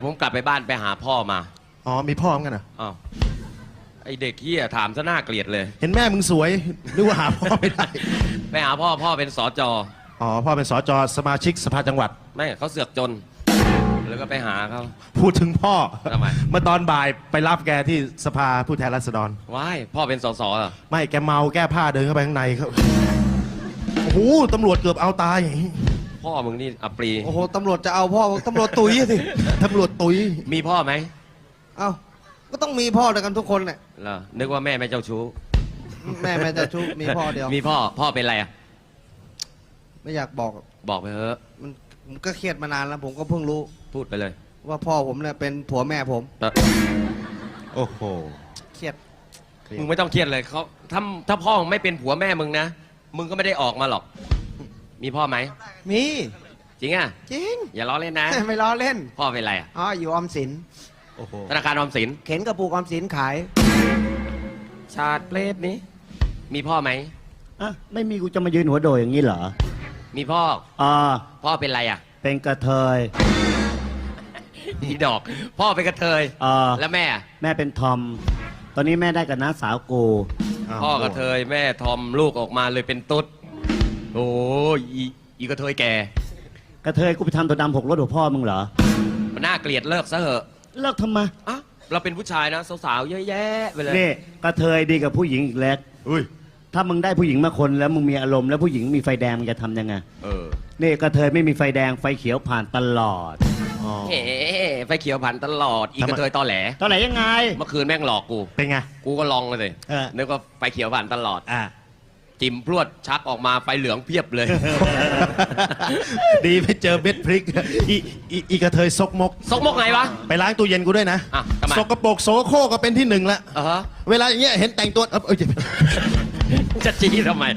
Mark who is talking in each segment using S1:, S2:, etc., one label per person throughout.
S1: ผมกลับไปบ้านไปหาพ่อมา
S2: อ๋อมีพ่อเหมือนกันเหรอ
S1: อ้าวไอเด็กเฮียถามซะน่าเกลียดเลย
S2: เห็นแม่มึงสวยนึกว่าหาพ่อไม่ได้
S1: ไปหาพ่อเป็นสจ
S2: อ๋อพ่อเป็นสจสมาชิกสภาจังหวัด
S1: ไม่เขาเสือกจน แล้วก็ไปหาเขา
S2: พูดถึงพ่อ
S1: ทำไม
S2: เมื่อตอนบ่ายไปรับแกที่สภาผู้แทนราษฎร
S1: ว้ายพ่อเป็นสสเหรอ
S2: ไม่แกเมาแก้ผ้าเดินเข้าไปข้างในเขาโอ้โหตำรวจเกือบเอาตาย
S1: พ่อมึงนี่อัปรี
S3: โอ้โหตำรวจจะเอาพ่อตำรวจตุยสิ
S2: ตำรวจตุย
S1: มีพ่อไหม
S3: เอ้าก็ต้องมีพ่อด้วยกันทุกคนแหละ
S1: เหรอนึกว่าแม่ไม่เจ้าชู้
S3: แม่จะชุบมีพ่อเดียว
S1: มีพ่อเป็นอะไรอ่ะ
S3: ไม่อยากบอก
S1: บอกไปเถอะ
S3: ผมก็เครียดมานานแล้ว ผมก็เพิ่งรู้
S1: พูดไปเลย
S3: ว่าพ่อผมเนี่ยเป็นผัวแม่ผม
S2: โอ้โห
S3: เครียด
S1: มึงไม่ต้องเครียดเลยเขาถ้าพ่อมึงไม่เป็นผัวแม่มึงนะมึงก็ไม่ได้ออกมาหรอก มีพ่อไหม
S3: มี
S1: จริงอ่ะ
S3: จริง
S1: อย่าล้อเล่นนะ
S3: ไม่ล้อเล่น
S1: พ่อเป็นอะไรอ่ะ
S3: อ๋ออยู่ออมสิน
S2: โอ้โห
S1: ธนาคารออมสิน
S3: เข็นกระปุกออมสินขาย
S1: ชาติเปรตนี้ มีพ่อไหม
S4: อ่ะไม่มีกูจะมายืนหัวโดยอย่างนี้เหรอ
S1: มีพ่อ
S4: อ่า
S1: พ่อเป็นอะไรอ่ะ
S4: เป็นกระเทย
S1: อีดอก พ่อเป็นกระเทย
S4: อ่า
S1: แล้วแม่อะ
S4: แม่เป็นทอม ตอนนี้แม่ได้กับน้าสาวกู
S1: พ่อกระเทยแม่ทอมลูกออกมาเลยเป็นตุ๊ดโอ้ยอีกระเทยแก่
S4: กระเทยกูไปทำตัวดำหกรถหัวพ่อมึงเหรอ
S1: มันน่าเกลียดเลิกซะเหอะ
S4: เลิกทำไม
S1: อ่ะเราเป็นผู้ชายนะสาวๆเยอะแยะไปเลย
S4: นี่กระเทยดีกับผู้หญิงอีกแล้ว
S2: อุ้ย
S4: ถ้ามึงได้ผู้หญิงมาคนแล้วมึงมีอารมณ์แล้วผู้หญิงมีไฟแดงมึงจะทำยังไง
S1: เออ
S4: นี่กระเทยไม่มีไฟแดงไฟเขียวผ่านตลอด
S2: อ๋อ
S1: เฮ้ไฟเขียวผันตลอด อีกระเทยตอแหล
S4: ตอนไหนยังไง
S1: เมื่อคืนแม่งหลอกกู
S2: เป็นไง
S1: กูก็ลองเลยสิ
S4: เออ
S1: นึกว่าไฟเขียวผ่านตลอด
S4: อ่ะ
S1: จิ้มพรวดชักออกมาไฟเหลืองเพียบเลย
S2: ดีไปเจอเบ็ดพริกอีกระเทยซกมก
S1: ซกมกไงวะ
S2: ไปล้างตู้เย็นกูด้วยนะ
S1: อ่ะทำไม
S2: สกปรกโสโครกก็เป็นที่หนึ่งละ
S1: อ่ะฮะ
S2: เวลาอย่างเงี้ยเห็นแต่งตัวเจ็บ
S1: จะจี้ทำไม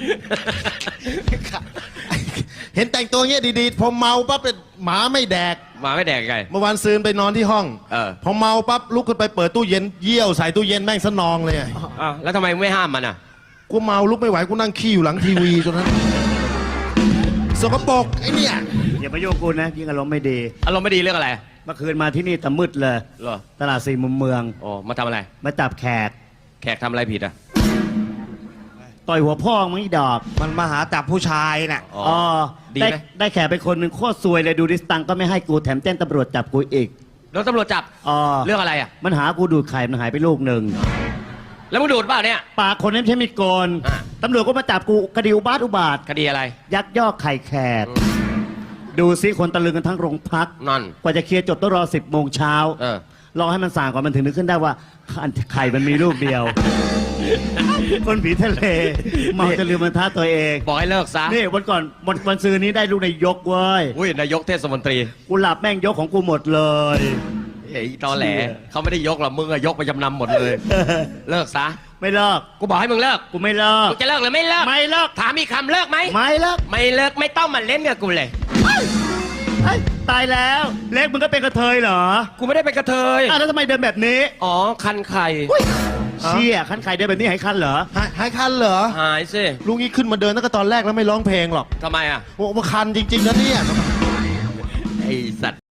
S2: เห็นแต่งตัวเงี้ยดีๆพอเมาปั๊บเป็นหมาไม่แดก
S1: มาไม่แดกไง
S2: เมื่อวานซืนไปนอนที่ห้อง
S1: เออ
S2: พอเมาปั๊บลุกขึ้นไปเปิดตู้เย็นเยี่ยวใส่ตู้เย็นแม่งสนองเลย
S1: อ่ะแล้วทำไมไม่ห้ามมันอ่ะ
S2: กูเมาลุกไม่ไหวกูนั่งขี้อยู่หลังทีวีจนนั้นสกปรกไอ้เนี่ย
S4: อย่ามาโยกกูนะยิ่งอารมณ์ไม่ดี
S1: อารมณ์ไม่ดีเรื่องอะไร
S4: เมื่อคืนมาที่นี่แต่มืดเลย
S1: เหรอ
S4: ตลาดสี่มุมเมือง
S1: โอ้มาทำอะไร
S4: มาจับแขก
S1: แขกทำอะไรผิดอ่ะ
S4: ต่อยหัวพ่อมึงอีดอก
S3: มันมาหาจับผู้ชายน่ะ
S1: อ๋อ
S4: อ๋อ
S1: ดีไหม
S4: ได้แขกไปคนหนึ่งโคตรซวยเลยดูดิสตังค์ก็ไม่ให้กูแถมแจ้งตำรวจจับกูอีก
S1: โดนตำรวจจับ
S4: อ๋อ
S1: เรื่องอะไรอ่ะ
S4: มันหากูดูดไข่มันหายไปลูกหนึ่ง
S1: แล้วมึงดูดเปล่าเนี่ย
S4: ปากคนนั้นไม่ใช่มีดโกน
S1: อ่ะ
S4: ตำรวจก็มาจับกูคดีอุบาทอุบาท
S1: คดีอะไร
S4: ยักยอกไข่แขก ดูซิคนตะลึงกันทั้งโรงพัก
S1: นั่น
S4: กว่าจะเคลียร์จบต้องรอ 10 โมงเช้า
S1: เออ
S4: รอให้มันส่างก่อนมันถึงนึกขึ้นได้ว่าไข่มันมีลูกเดียว คนผีทะเลเมาจะลืมบรรทัดตัวเอง
S1: บอกให้เลิกซะ
S4: นี่วันก่อนวันซื้อนี้ได้ลูกนายกเว้ย
S1: อุ้ยนายกเทศมนตรี
S4: กูหลับแม่งยกของกูหมดเลย
S1: ไอ้ตอแหลเขาไม่ได้ยกหรอกมึงอะยกไปจำนำหมดเลย เลิกซะ
S4: ไม่เลิก
S1: กูบอกให้มึงเลิก
S4: กูไม่เลิก
S1: กูจะเลิกหรือไม่เลิก
S4: ไม่เลิก
S1: ถามอีกคำเลิกไหม
S4: ไม่เลิก
S1: ไม่เลิกไม่ต้องมาเล่นกับกูเลย
S4: เฮ้ยตายแล้ว เล็กมึงก็เป็นกระเทยเหรอ
S1: กูไม่ได้เป็นกระเทย
S4: อ้าวแล้วทำไมเดินแบบนี้
S1: อ๋อ คันไข่
S4: เชี่ยคันไข่เดินแบบนี้ให้คันเหรอ
S2: หายคันเหรอ
S1: หายสิ
S2: ลุงนี้ขึ้นมาเดินตั้งแต่ตอนแรกแล้วไม่ร้องเพลงหรอก
S1: ทำไมอ่ะ
S2: โอ้มาคันจริงๆนะเนี่ย
S1: ไอสัตว์